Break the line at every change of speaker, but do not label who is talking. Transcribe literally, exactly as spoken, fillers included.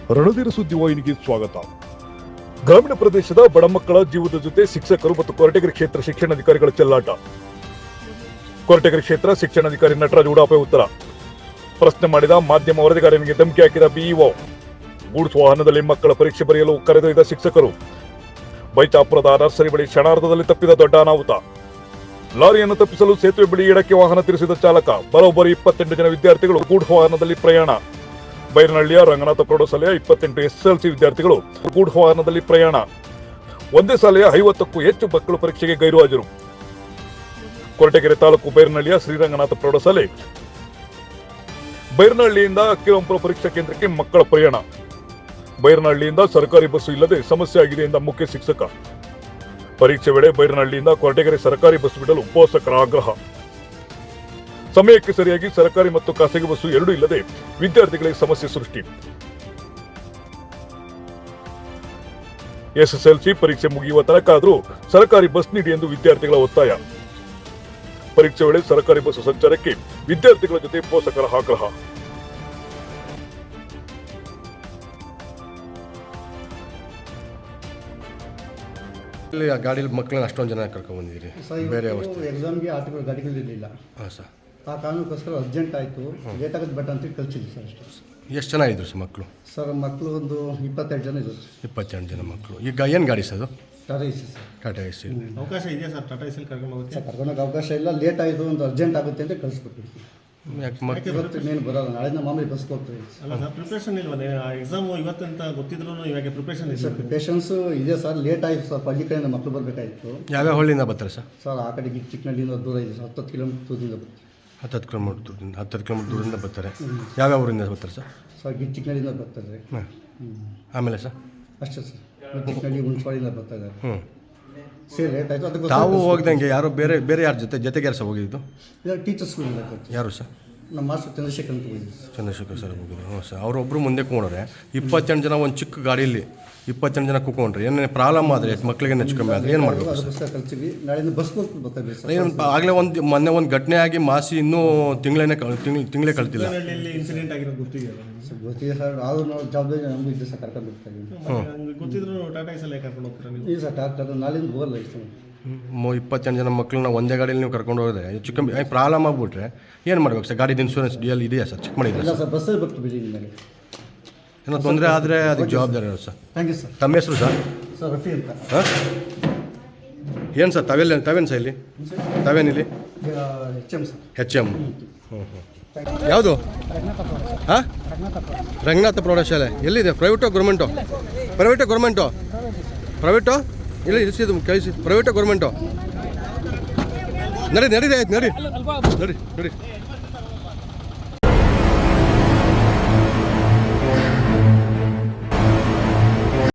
ರಣಧೀರ ಸುದ್ದಿವಾಹಿನಿಗೆ ಸ್ವಾಗತ. ಗ್ರಾಮೀಣ ಪ್ರದೇಶದ ಬಡ ಮಕ್ಕಳ ಜೀವದ ಜೊತೆ ಶಿಕ್ಷಕರು ಮತ್ತು ಕೊರಟಗೆರೆ ಕ್ಷೇತ್ರ ಶಿಕ್ಷಣಾಧಿಕಾರಿಗಳ ಚೆಲ್ಲಾಟ. ಕೊರಟಗೆರೆ ಕ್ಷೇತ್ರ ಶಿಕ್ಷಣಾಧಿಕಾರಿ ನಟರಾಜ್ ಉಡಾಪೆ ಉತ್ತರ. ಪ್ರಶ್ನೆ ಮಾಡಿದ ಮಾಧ್ಯಮ ವರದಿಗಾರನಿಗೆ ಧಮಕಿ ಹಾಕಿದ ಬಿಇಒ. ಗೂಡ್ಸ್ ವಾಹನದಲ್ಲಿ ಮಕ್ಕಳ ಪರೀಕ್ಷೆ ಬರೆಯಲು ಕರೆದೊಯ್ದ ಶಿಕ್ಷಕರು. ಬೈಚಾಪುರದ ನರ್ಸರಿ ಬಳಿ ಕ್ಷಣಾರ್ಧದಲ್ಲಿ ತಪ್ಪಿದ ದೊಡ್ಡ ಅನಾಹುತ. ಲಾರಿಯನ್ನು ತಪ್ಪಿಸಲು ಸೇತುವೆ ಬಳಿ ಎಡಕ್ಕೆ ವಾಹನ ತಿರುಗಿಸಿದ ಚಾಲಕ. ಬರೋಬ್ಬರಿ ಇಪ್ಪತ್ತೆಂಟು ಜನ ವಿದ್ಯಾರ್ಥಿಗಳು ಗೂಡ್ಸ್ ವಾಹನದಲ್ಲಿ ಪ್ರಯಾಣ. ಬೈರನಹಳ್ಳಿಯ ರಂಗನಾಥ ಪ್ರೌಢಶಾಲೆಯ ಇಪ್ಪತ್ತೆಂಟು ಎಸ್ಎಸ್ಎಲ್ಸಿ ವಿದ್ಯಾರ್ಥಿಗಳು ಗೂಡ್ಸ್ ವಾಹನದಲ್ಲಿ ಪ್ರಯಾಣ. ಒಂದೇ ಶಾಲೆಯ ಐವತ್ತಕ್ಕೂ ಹೆಚ್ಚು ಮಕ್ಕಳು ಪರೀಕ್ಷೆಗೆ ಗೈರು ಹಾಜರು. ಕೊರಟಗೆರೆ ತಾಲೂಕು ಬೈರನಹಳ್ಳಿಯ ಶ್ರೀರಂಗನಾಥ ಪ್ರೌಢಶಾಲೆ ಬೈರನಹಳ್ಳಿಯಿಂದ ಅಕ್ಕಿರಾಂಪುರ ಪರೀಕ್ಷಾ ಕೇಂದ್ರಕ್ಕೆ ಮಕ್ಕಳ ಪ್ರಯಾಣ. ಬೈರನಹಳ್ಳಿಯಿಂದ ಸರ್ಕಾರಿ ಬಸ್ಸು ಇಲ್ಲದೆ ಸಮಸ್ಯೆ ಆಗಿದೆ ಎಂದ ಮುಖ್ಯ ಶಿಕ್ಷಕ. ಪರೀಕ್ಷೆ ವೇಳೆ ಬೈರನಹಳ್ಳಿಯಿಂದ ಕೊರಟಗೆರೆ ಸರ್ಕಾರಿ ಬಸ್ ಬಿಡಲು ಪೋಷಕರ ಆಗ್ರಹ. ಸಮಯಕ್ಕೆ ಸರಿಯಾಗಿ ಸರ್ಕಾರಿ ಮತ್ತು ಖಾಸಗಿ ಬಸ್ಸು ಎರಡೂ ಇಲ್ಲದೆ ವಿದ್ಯಾರ್ಥಿಗಳಿಗೆ ಸಮಸ್ಯೆ ಸೃಷ್ಟಿ. ಎಸ್ಎಸ್ಎಲ್ಸಿ ಪರೀಕ್ಷೆ ಮುಗಿಯುವ ತನಕ ಆದರೂ ಸರ್ಕಾರಿ ಬಸ್ ನೀಡಿ ಎಂದು ವಿದ್ಯಾರ್ಥಿಗಳ ಒತ್ತಾಯ. ಪರೀಕ್ಷೆ ವೇಳೆ ಸರ್ಕಾರಿ ಬಸ್ಸು ಸಂಚಾರಕ್ಕೆ ವಿದ್ಯಾರ್ಥಿಗಳ ಜೊತೆ ಪೋಷಕರ ಆಗ್ರಹ.
ಇಲ್ಲಿ ಆ ಗಾಡಿಯಲ್ಲಿ ಮಕ್ಕಳನ್ನ ಅಷ್ಟೊಂದು ಜನ ಕರ್ಕೊಂಡು ಬಂದಿದ್ದೀರಿ, ಬೇರೆ ಅವಸ್ಥೆ.
ಎಕ್ಸಾಮ್ಗೆ ಆಟೋಗಳು ಗಾಡಿಗಳಿರಲಿಲ್ಲ.
ಹಾಂ ಸರ್.
ಆ ಕಾರಣಕ್ಕೋಸ್ಕರ ಅರ್ಜೆಂಟ್ ಆಯಿತು, ಲೇಟ್ ಆಗೋದು ಬಟ್ ಅಂತ ಕಳಿಸಿದ್ವಿ ಸರ್ ಅಷ್ಟೇ.
ಎಷ್ಟು ಜನ ಇದ್ರು ಸರ್ ಮಕ್ಕಳು?
ಸರ್ ಮಕ್ಕಳು ಒಂದು ಇಪ್ಪತ್ತೆರಡು ಜನ ಇದ್ರು.
ಇಪ್ಪತ್ತೆರಡು ಜನ ಮಕ್ಕಳು. ಈಗ ಏನು ಗಾಡಿ ಸರ್ ಅದು?
Tata AC sir.
Tata AC.
ಅವಕಾಶ ಇದೆಯಾ ಸರ್ ಟಾಟಾ ಎಸಿ ಕರ್ಕೊಂಡು ಹೋಗುತ್ತೆ?
ಸರ್ ಕರ್ಕೊಂಡೋಗಿ ಅವಕಾಶ ಇಲ್ಲ, ಲೇಟ್ ಆಯಿತು, ಒಂದು ಅರ್ಜೆಂಟ್ ಆಗುತ್ತೆ ಅಂತ ಕಳಿಸ್ಕೊಟ್ಟಿದ್ವಿ.
ಯಾಕೆ ಮಕ್ಕಳು
ಇವತ್ತು ಇನ್ನೇನು ಬರೋಲ್ಲ, ನಾಳೆಯಿಂದ ಮಾಮೂಲಿ ಬಸ್ಗೆ ಹೋಗ್ತೀವಿ.
ಅಲ್ಲ ಸರ್, ಪ್ರಿಪ್ರೇಷನ್ ಇಲ್ವಾ? ಎಕ್ಸಾಮ್ ಇವತ್ತಂತ ಗೊತ್ತಿದ್ರು ಇವಾಗ ಪ್ರಿಪ್ರೇಷನ್ ಇದೆ
ಸರ್ ಪ್ರಿಪ್ರೇಷನ್ಸು ಇದೆ ಸರ್, ಲೇಟ್ ಆಯಿತು ಸರ್. ಹಳ್ಳಿ ಕಡೆಯಿಂದ ಮಕ್ಕಳು ಬರಬೇಕಾಯಿತು.
ಯಾವ್ಯಾವ ಹಳ್ಳಿಯಿಂದ ಬರ್ತಾರೆ ಸರ್?
ಸರ್ ಆ ಕಡೆಗೆ ಚಿಕ್ಕನಹಳ್ಳಿಯಿಂದ ದೂರ ಇದೆ ಸರ್, ಹತ್ತತ್ತು ಕಿಲೋಮೀಟರ್ ದೂರದಿಂದ ಬರ್ತೀವಿ.
ಹತ್ತತ್ತು ಕಿಲೋಮೀಟ್ರ್ ದೂರದಿಂದ ಹತ್ತತ್ತು ಕಿಲೋಮೀಟ್ರ್ ದೂರದಿಂದ ಬರ್ತಾರೆ. ಯಾವ್ಯಾವ ಊರಿಂದ ಬರ್ತಾರೆ ಸರ್?
ಸರ್ ಗಿ ಚಿಕ್ಕನಹಳ್ಳಿಯಿಂದ ಬರ್ತಾರೆ.
ಹಾಂ. ಆಮೇಲೆ ಸರ್?
ಅಷ್ಟೇ ಸರ್, ಚಿಕ್ಕನಹಳ್ಳಿ ಹುಣಸವಾಡಿಯಿಂದ ಬರ್ತಾ ಇದ್ದಾರೆ.
ಹ್ಞೂ.
ಸರಿ ಲೇಟ್ ಆಯಿತು. ಅದಕ್ಕೆ
ತಾವು ಹೋಗ್ದಂಗೆ ಯಾರು ಬೇರೆ ಬೇರೆ ಯಾರ ಜೊತೆ ಜೊತೆಗೆ ಯಾರು ಸರ್ ಹೋಗಿದ್ದು?
ಟೀಚರ್ಸ್ಗಳಿಂದ
ಯಾರು ಸರ್?
ನಮ್ಮ ಮಾಸ್ಟರ್ ಚಂದ್ರಶೇಖರ್ ಅಂತ ಹೋಗಿದ್ವಿ.
ಚಂದ್ರಶೇಖರ್ ಸರ್ ಹೋಗಿದ್ರು. ಹ್ಞೂ ಸರ್. ಅವರೊಬ್ಬರು ಮುಂದೆ ಕೂಕೊಂಡ್ರೆ ಇಪ್ಪತ್ತೆಂಟು ಜನ ಒಂದು ಚಿಕ್ಕ ಗಾಡಿಯಲ್ಲಿ ಇಪ್ಪತ್ತೆಂಟು ಜನ ಕೂಕೊಂಡ್ರೆ ಏನೇ ಪ್ರಾಬ್ಲಮ್ ಆದರೆ ಮಕ್ಕಳಿಗೆ ಹೆಚ್ಚು ಕಮ್ಮಿ ಆದರೆ ಏನು ಮಾಡಬೇಕು ಸರ್?
ಅದಕ್ಕೋಸ್ಕರ ಕಲ್ತೀವಿ. ನಾಳೆಯಿಂದ ಬಸ್ ಹೋಗ್ತೀವಿ ಬರ್ತಾರೆ ಸರ್.
ಏನು ಆಗಲೇ ಒಂದು ಮೊನ್ನೆ ಒಂದು ಘಟನೆ ಆಗಿ ಮಾಸಿ ಇನ್ನೂ ತಿಂಗಳೇನೆ ತಿಂಗಳು ತಿಂಗಳೇ ಕಳ್ತಿಲ್ಲ.
ಹಳ್ಳಿಯಲ್ಲಿ ಇನ್ಸಿಡೆಂಟ್ ಆಗಿರೋದು ಗೊತ್ತಿದೆಯಲ್ಲ
ಸರ್ ಗೊತ್ತಿದೆ ಸರ್, ಆದರೂ ನಾವು ಜವಾಬ್ದಾರಿ ನಮಗೂ ಇದೆ ಸರ್, ಕರ್ಕೊಂಡು ಹೋಗ್ತಾ ಇದ್ದೀವಿ.
ಗೊತ್ತಿದ್ರು ಟಾಟಾ ಎಸಿ ಕರ್ಕೊಂಡು ಹೋಗ್ತೀರಾ ನೀವು?
ಇಲ್ಲ ಸರ್, ಡಾಕ್ಟರ್ ನಾಳೆಯಿಂದ ಹೋಗಲ್ಲ ಇಷ್ಟು.
ಮೊ ಇಪ್ಪತ್ತೆಂಟು ಜನ ಮಕ್ಕಳನ್ನ ಒಂದೇ ಗಾಡಿಯಲ್ಲಿ ನೀವು ಕರ್ಕೊಂಡು ಹೋದರೆ ಹೆಚ್ಚು ಕಮ್ಮಿ ಪ್ರಾಬ್ಲಮ್ ಆಗಿಬಿಟ್ರೆ ಏನು ಮಾಡ್ಬೇಕು ಸರ್? ಗಾಡಿದು ಇನ್ಶೂರೆನ್ಸ್ ಡಿ ಎಲ್ ಇದೆಯಾ ಸರ್? ಚೆಕ್ ಮಾಡಿದ್ರೆ
ಇಲ್ಲ ಸರ್, ಬಸ್ಸಲ್ಲಿ ಬರ್ತೀವಿ ಬಿಡಿ ಮೇಲೆ.
ಏನೋ ತೊಂದರೆ ಆದರೆ ಅದಕ್ಕೆ ಜವಾಬ್ದಾರಿ ಇರೋದು ಸರ್.
Thank you sir.
ತಮ್ಮ ಹೆಸರು ಸರ್?
ಸರ್ ರಫಿ ಅಂತ.
ಹಾಂ. ಏನು ಸರ್ ತಾವೆಲ್ಲ ತಾವೇನು ಸರ್ ಇಲ್ಲಿ ತಾವೇನಿಲ್ಲಿ?
H M sir.
H M. ಹ್ಞೂ ಹ್ಞೂ. ಯಾವುದು? ಹಾಂ, ರಂಗನಾಥ ಪ್ರೌಢಶಾಲೆ ಎಲ್ಲಿದೆ? ಪ್ರೈವೇಟೋ ಗೌರ್ಮೆಂಟೋ? ಪ್ರೈವೇಟೋ ಗೌರ್ಮೆಂಟೋ? ಪ್ರೈವೇಟೋ ಇಲ್ಲ ಇರಿಸಿದ್ದು ಕಳಿಸಿ. ಪ್ರೈವೇಟೋ ಗೌರ್ಮೆಂಟೋ? ನಡಿ ನಡಿ ಆಯ್ತು ನಡಿ ನಡಿ ನಡಿ.